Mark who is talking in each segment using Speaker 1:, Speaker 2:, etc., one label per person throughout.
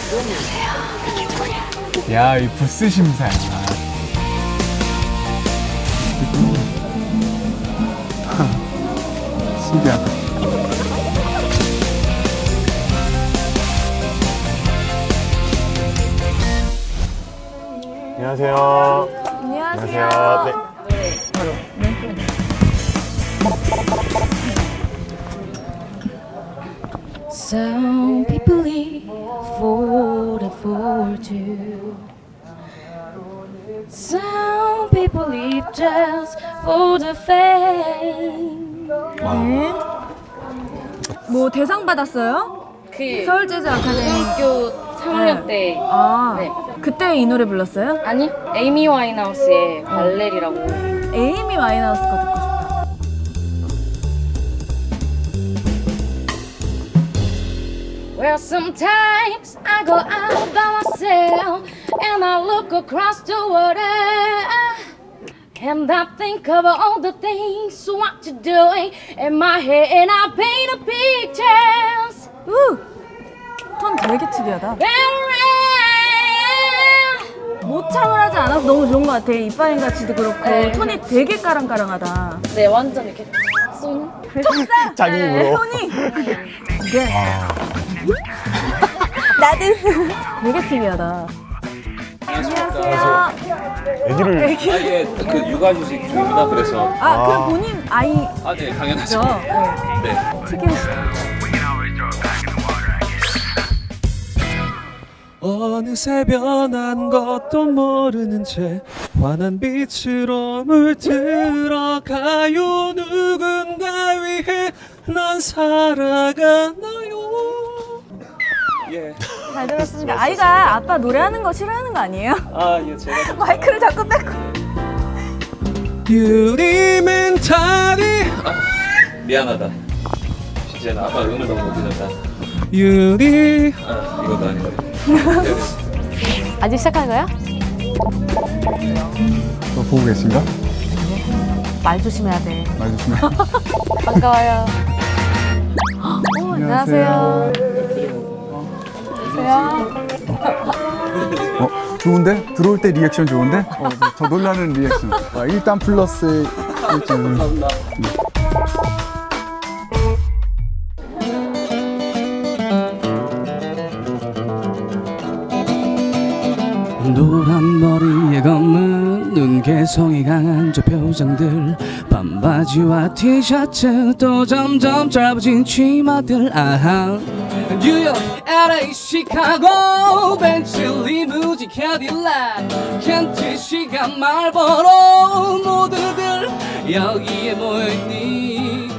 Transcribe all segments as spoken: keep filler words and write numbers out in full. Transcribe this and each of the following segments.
Speaker 1: 야, 이 부스 심사야. 신기하다.
Speaker 2: 안녕하세요.
Speaker 3: 안녕하세요.
Speaker 2: 안녕하세요.
Speaker 3: Some people live for the fortune. Some people live just for the fame.
Speaker 4: 네. 뭐 대상 받았어요?
Speaker 3: 그
Speaker 4: 서울 재즈 아카데미.
Speaker 3: 고등학교 삼 학년
Speaker 4: 네.
Speaker 3: 때
Speaker 4: 아,
Speaker 3: 네.
Speaker 4: 그때 이 노래 불렀어요?
Speaker 3: 아니 에이미 와인하우스의 발레리라고.
Speaker 4: 에이미 와인하우스 거 듣고 싶다.
Speaker 3: Well, sometimes I go out by myself and I look across the water and I think of all the things what you're doing in my head and I paint a pictures.
Speaker 4: 우! 톤 되게 특이하다. 모창을 하지 않아서 너무 좋은 것 같아. 이빠인 같이도 그렇고
Speaker 3: 네.
Speaker 4: 톤이 되게 까랑까랑하다.
Speaker 3: 네, 완전 이렇게 탁 쏘는.
Speaker 4: 톡사!
Speaker 2: 자기 입으로.
Speaker 4: 톤이! 네. 나도 되게 특이하다. 안녕하세요.
Speaker 2: 애기를
Speaker 5: 아예 그 육아휴직 중입니다. 그래서
Speaker 4: 아, 그럼 본인 아이죠?
Speaker 5: 아 네 당연하죠.
Speaker 4: 네.
Speaker 5: 네.
Speaker 4: 특이하시다.
Speaker 6: 어느새 변한 것도 모르는 채 환한 빛으로 물들어가요. 누군가 위해 난 살아가나요.
Speaker 5: 예.
Speaker 4: 잘 들었습니다. 아이가 아빠 노래하는 거 싫어하는 거 아니에요?
Speaker 5: 아 예 제가 좀
Speaker 4: 마이크를 자꾸 뺏고.
Speaker 6: 유리 멘탈이
Speaker 5: 미안하다. 진짜 나 아빠 음을 너무 못 들었다.
Speaker 6: 유리
Speaker 5: 아 이것도 아니고.
Speaker 3: 아직 시작하는 거야?
Speaker 1: 또 보고 계신가?
Speaker 3: 말 조심해야 돼.
Speaker 1: 말 조심해.
Speaker 3: 반가워요.
Speaker 4: 어, 안녕하세요.
Speaker 1: 어, 좋은데? 들어올 때 리액션 좋은데? 어, 저 놀라는 리액션. 와, 일단 플러스 일 점.
Speaker 5: 감사합니다.
Speaker 6: 노란 머리에 검은 눈 개성이 강한 저 표정들 반바지와 티셔츠 또 점점 짧아진 치마들 아하 뉴욕, 엘에이, 시카고 벤츠, 리무진, 캐딜락 켄트, 시간, 말버로 모두들 여기에 모여있니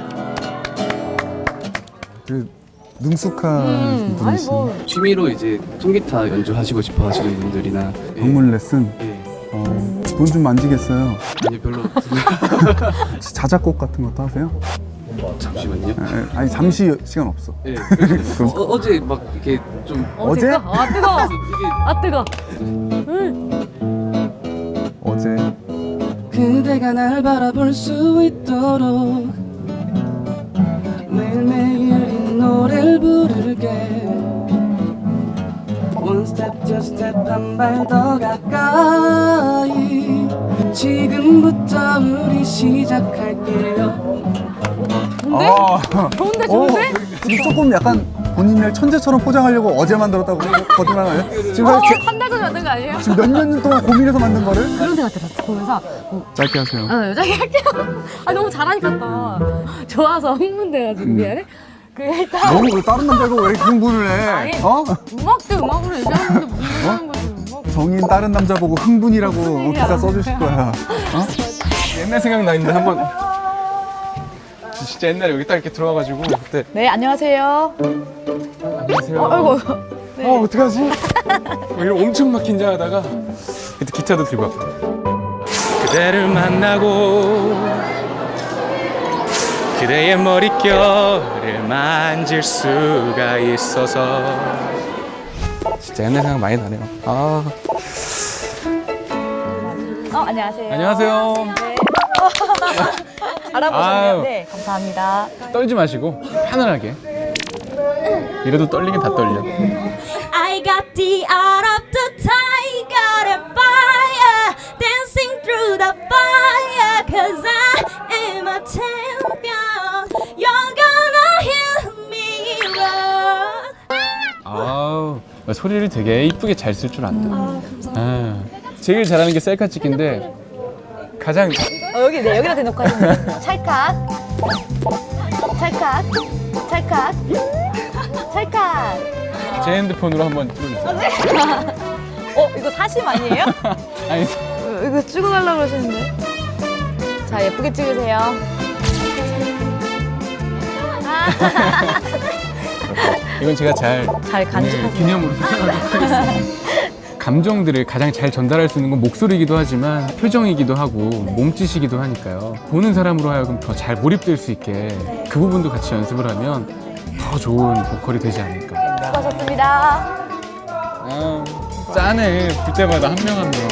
Speaker 1: 그 능숙한
Speaker 4: 아니
Speaker 1: 분이시.
Speaker 4: 뭐
Speaker 6: 취미로 이제 통기타 연주하시고 싶어 하시는 분들이나
Speaker 1: 방문 레슨.
Speaker 6: 예.
Speaker 1: 어, 돈 좀 만지겠어요.
Speaker 6: 아니 별로
Speaker 1: 혹시 자작곡 같은 것도 하세요?
Speaker 6: 잠시만요.
Speaker 1: 에, 아니 잠시 시간 없어.
Speaker 6: 예. 어, 어제 막 이렇게 좀
Speaker 1: 어제?
Speaker 4: 아 뜨거.
Speaker 6: 이게
Speaker 4: 아 뜨거.
Speaker 1: 어제.
Speaker 6: 그대가 날 바라볼 수 있도록 매일매일 이 노래를 부를게 One step, two step, 한 발 더 가까이 지금부터 우리 시작할게요.
Speaker 1: 아,
Speaker 4: 좋은데
Speaker 1: 어,
Speaker 4: 좋은데?
Speaker 1: 지금 조금 약간 본인을 천재처럼 포장하려고 어제 만들었다고 거짓말 하나요? 지금
Speaker 4: 어,
Speaker 1: 사실
Speaker 4: 한 달 전에 만든 거 아니에요?
Speaker 1: 지금 몇 년 동안 고민해서 만든 거를
Speaker 4: 그런 생각 들었어. 보면서 어,
Speaker 1: 짧게 하세요.
Speaker 4: 아, 여자기 할게요. 아 너무 잘하니까 또 좋아서 흥분돼가지고
Speaker 1: 음.
Speaker 4: 미안해. 그 일단
Speaker 1: 너무 왜 다른 남자고 왜 이렇게 흥분을 해?
Speaker 4: 아니.
Speaker 1: 어?
Speaker 4: 음악 대 음악으로 얘기하는데 무슨 하는 거지? 음악.
Speaker 1: 정인 다른 남자 보고 흥분이라고 기사 써주실 거야. 어?
Speaker 2: 옛날 생각나 있는데 한번 진짜 옛날에 여기 딱 이렇게 들어와가지고 그때
Speaker 4: 네 안녕하세요.
Speaker 2: 안녕하세요.
Speaker 4: 어, 아이고. 네.
Speaker 2: 어 어떡하지? 뭐 이런 엄청 막 긴장하다가 그때 기타도 들고 왔고 그대를 만나고 그대의 머릿결을 만질 수가 있어서 진짜 옛날 생각 많이 나네요. 아
Speaker 4: 어 안녕하세요.
Speaker 2: 안녕하세요.
Speaker 4: 네. 알아보셨네요.
Speaker 2: 아유.
Speaker 4: 네 감사합니다.
Speaker 2: 떨지 마시고 편안하게. 이래도 떨리긴 다 떨려.
Speaker 3: I I got the art of the tiger and fire, dancing through the fire, cause I am a champion. You're gonna hear me roar.
Speaker 2: 아우, 소리를 되게 이쁘게 잘 쓸 줄 안다. 아, 감사합니다. 제일 잘하는 게 셀카 찍기인데 가장
Speaker 4: 어, 여기, 네, 여기다 대놓고 하시면 찰칵. 찰칵. 찰칵. 찰칵.
Speaker 2: 제 핸드폰으로 한번 찍어주세요.
Speaker 4: 어, 이거 사심 아니에요?
Speaker 2: 아니,
Speaker 4: 어, 이거 찍어 가려고 그러시는데. 자, 예쁘게 찍으세요.
Speaker 2: 이건 제가 잘
Speaker 4: 잘 간직하세요.
Speaker 2: 네, 기념으로 소장하도록 하겠습니다. 감정들을 가장 잘 전달할 수 있는 건 목소리이기도 하지만 표정이기도 하고 몸짓이기도 하니까요. 보는 사람으로 하여금 더 잘 몰입될 수 있게 그 부분도 같이 연습을 하면 더 좋은 보컬이 되지 않을까.
Speaker 4: 수고하셨습니다.
Speaker 2: 아, 짠해. 볼 때마다 한 명 한 명.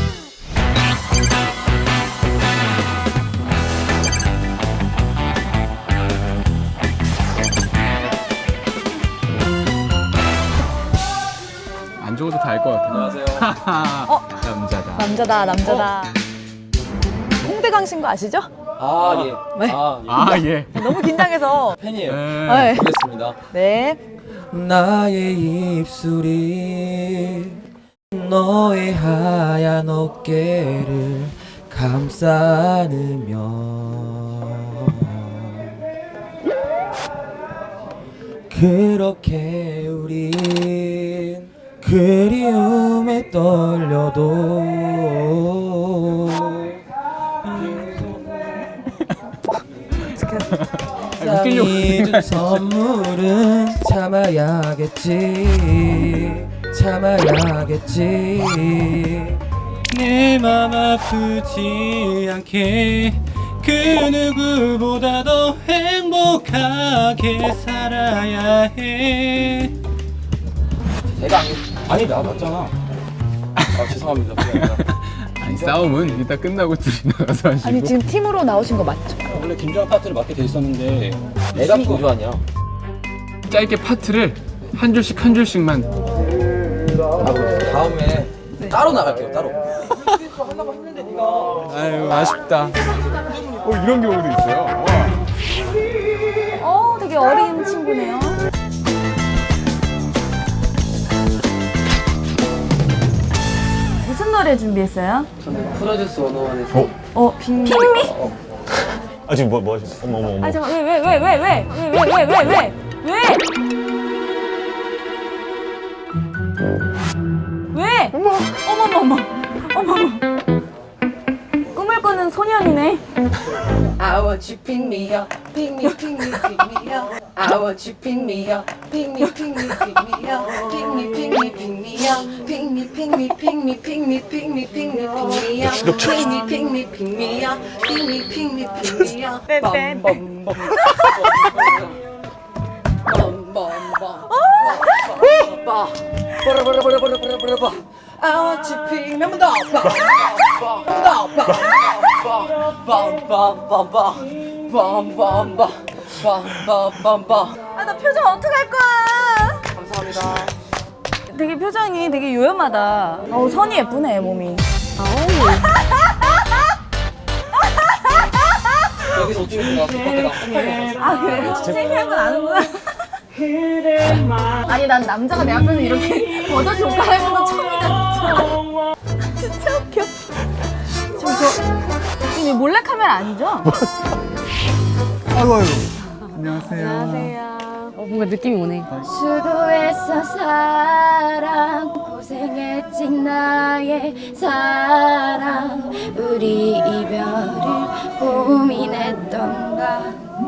Speaker 2: 안 적어도 다 알 것 같아.
Speaker 5: 안녕하세요.
Speaker 4: 어?
Speaker 2: 남자다.
Speaker 4: 남자다, 남자다. 홍대강 씨인 거 아시죠?
Speaker 5: 아 예.
Speaker 4: 네.
Speaker 5: 아, 예.
Speaker 2: 아, 예.
Speaker 4: 너무 긴장해서.
Speaker 5: 팬이에요.
Speaker 2: 네.
Speaker 4: 네.
Speaker 5: 보겠습니다.
Speaker 4: 네.
Speaker 7: 나의 입술이 너의 하얀 어깨를 감싸 안으면 그렇게 우린 그리움에 떨려도 세상이 준 선물은 참아야겠지 참아야겠지
Speaker 6: 내 맘 아프지 않게 그 누구보다도 행복하게 살아야 해.
Speaker 5: 내가 아니 아니 나 맞잖아. 아 죄송합니다. 미안합니다.
Speaker 2: 아니, 싸움은 이따 끝나고 둘이 나가서 하시고.
Speaker 4: 아니, 지금 팀으로 나오신 거 맞죠?
Speaker 5: 원래 김주환 파트를 맡게 돼 있었는데 내가 김주환이야.
Speaker 2: 짧게 파트를 한 줄씩 한 줄씩만.
Speaker 5: 아, 다음에 따로 나갈게요. 따로.
Speaker 2: 아유, 아쉽다. 어, 이런 경우도 있어요. 와.
Speaker 4: 어, 되게 어린 친구네요. 무슨 노래 준비했어요?
Speaker 7: 저는 프로듀스 원어원에서
Speaker 4: 어, 핑미?
Speaker 8: 아 지금 뭐, 뭐 하시는 어머 어머 어머
Speaker 4: 아, 잠깐, 왜, 왜, 왜, 왜, 왜, 왜, 왜, 왜, 왜, 왜, 왜? 왜? 어머, 어머머머, 어머머. 꿈을 꾸는 소년이네.
Speaker 9: I want you pick me up, pick me, pick me, pick me up. I want you pick me up, pick me, pick me, pick me up. Pick me, pick me, pick me up. Pick me, pick me, pick me, pick me, pick me, pick me, pick me up. Pick me, pick me, pick me up. Pick me, pick me, pick me up. Bum, bum, bum. Bum, bum, bum. Bum, bum, bum. I want you pick me up. Bum, bum, bum, bum, bum, bum, bum. Bum, bum, bum. Bum, bum, bum, bum.
Speaker 4: 아, 나 표정 어떡할 거야?
Speaker 9: 감사합니다.
Speaker 4: 되게 표정이 되게 요염하다. 어우, 선이 예쁘네, 몸이.
Speaker 5: 여기서 어떻게 내가 그때가
Speaker 4: 아, 그래요? 창피한 건 아는구나. 아니, 난 남자가 내 앞에서 이렇게 버저 조카해보는 거 처음이다, 진짜. 진짜 웃겨. 지금 저, 지금 몰래카메라 아니죠?
Speaker 1: 아이고 아이고. 안녕하세요.
Speaker 4: 안녕하세요. 어, 뭔가 느낌이 오네.
Speaker 3: 수고했어 사랑 고생했지 나의 사랑 우리 이별을 고민했던가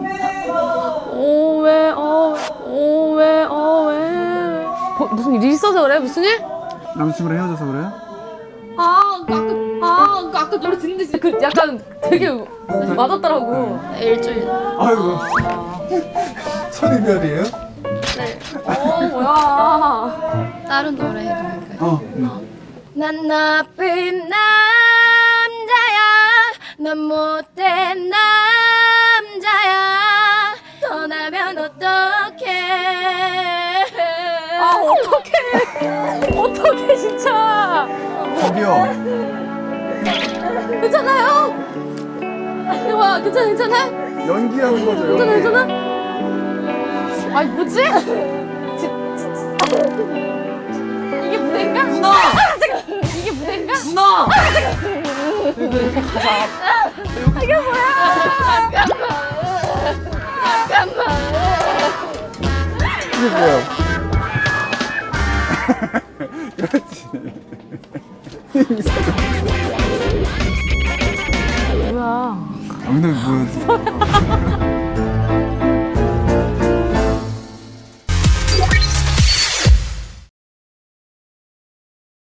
Speaker 4: 오, 왜, 어, 오, 왜, 어, 왜. 뭐, 무슨 일 있어서 그래? 무슨 일?
Speaker 1: 남자친구랑 헤어져서 그래요?
Speaker 4: 아, 아까, 아, 아까 노래 듣는데 진짜 그 약간 되게 맞았더라고.
Speaker 3: 일주일
Speaker 1: 아이고. 선이별이에요?
Speaker 4: 어, 뭐야.
Speaker 3: 다른 노래 해도 될까요?
Speaker 1: 어. 응.
Speaker 3: 난 나쁜 남자야 넌 못된 남자야 떠나면 어떡해
Speaker 4: 아, 어떡해. 어떡해, 진짜.
Speaker 1: 저기요.
Speaker 4: 괜찮아요? 와, 괜찮아, 괜찮아?
Speaker 1: 연기하는 거죠.
Speaker 4: 괜찮아,
Speaker 1: 연기.
Speaker 4: 괜찮아? 아니, 뭐지? 지- 이게 무대인가?
Speaker 9: 누나!
Speaker 4: 이게 무대인가?
Speaker 9: 누나!
Speaker 4: 이게 뭐야?
Speaker 1: 이게 뭐야? 그렇지.
Speaker 4: 뭐야?
Speaker 1: 아, 근데 뭐